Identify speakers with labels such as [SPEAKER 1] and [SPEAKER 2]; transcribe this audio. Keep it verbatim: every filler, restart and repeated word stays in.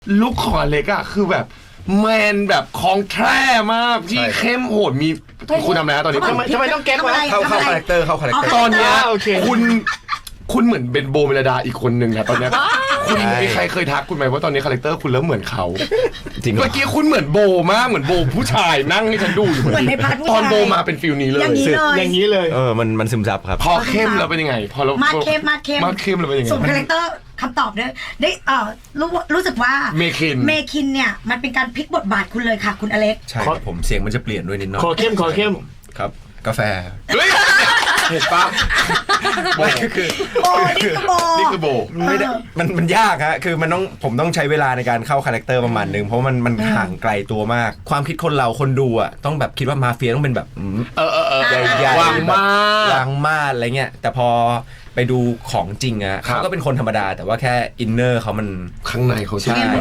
[SPEAKER 1] ลุคของอเล็กอะคือแบบแมนแบบคองแท้มากที่เข้มโหดมีคุณทำอะไรนะตอนนี้
[SPEAKER 2] ทำไมทำไมต้องแก๊กวะ
[SPEAKER 3] เข้าเข้าคาแรคเตอร์เข้าคาแรคเตอร์
[SPEAKER 1] ตอนเนี้ย
[SPEAKER 2] โอเค
[SPEAKER 1] คุณคุณเหมือนเป็นโบเมลดาอีกคนหนึ่งนะตอนเนี้ยคุณมีใครเคยทักคุณไหมว่าตอนนี้คาแรคเตอร์คุณเริ่มเหมือนเขา
[SPEAKER 3] จริงเหรอ
[SPEAKER 1] เมื่อกี้คุณเหมือนโบมากเหมือนโบผู้ชายนั่งให้ฉันดูอยู่
[SPEAKER 4] เหมือนในพาร์ทผู้ชาย
[SPEAKER 1] ตอนโบมาเป็นฟิลนี้เลย
[SPEAKER 4] อย่างนี้เลย
[SPEAKER 2] อย่างนี้เลย
[SPEAKER 3] เออมันมันซึมซับครับ
[SPEAKER 1] พอเข้มแล้วเป็นยังไง พอเรา
[SPEAKER 4] มา
[SPEAKER 1] มา
[SPEAKER 4] เข้มมาเข้ม
[SPEAKER 1] มาเข้มแล้วเป็นยังไง
[SPEAKER 4] ส่วนคาแรคเตอร์คำตอบด้วยได้เอ่อรู้รู้สึกว่า
[SPEAKER 1] เมคิน
[SPEAKER 4] เมคินเนี่ยมันเป็นการพลิกบทบาทคุณเลยค่ะ คุณอเล็ก
[SPEAKER 3] ใช่ครับผมเสียงมันจะเปลี่ยนด้วยนิดหน่อย
[SPEAKER 2] ขอเข้มขอเข้ม
[SPEAKER 3] ครับ กาแฟ
[SPEAKER 1] เฮ้ยเห็นปะโบ
[SPEAKER 3] ไม่คือ
[SPEAKER 4] โบนี่คือโบ
[SPEAKER 1] นี่คือโบ
[SPEAKER 3] มันไม่ได้มันมันยากฮะคือมันต้องผมต้องใช้เวลาในการเข้าคาแรคเตอร์ประมาณนึงเพราะมันมันห่างไกลตัวมาก ความคิดคนเราคนดูอ่ะต้องแบบคิดว่ามาเฟียต้องเป็นแบบอืม
[SPEAKER 1] เออเออเออ
[SPEAKER 3] ใหญ่ๆ
[SPEAKER 1] วางมาก
[SPEAKER 3] วางมาดอะไรเงี้ยแต่พอไปดูของจริงอะ
[SPEAKER 1] ครับ
[SPEAKER 3] เขาก็เป็นคนธรรมดา แต่ว่าแค่อินเนอร์เขามัน
[SPEAKER 1] ข้างในเขาใช่
[SPEAKER 3] ใช่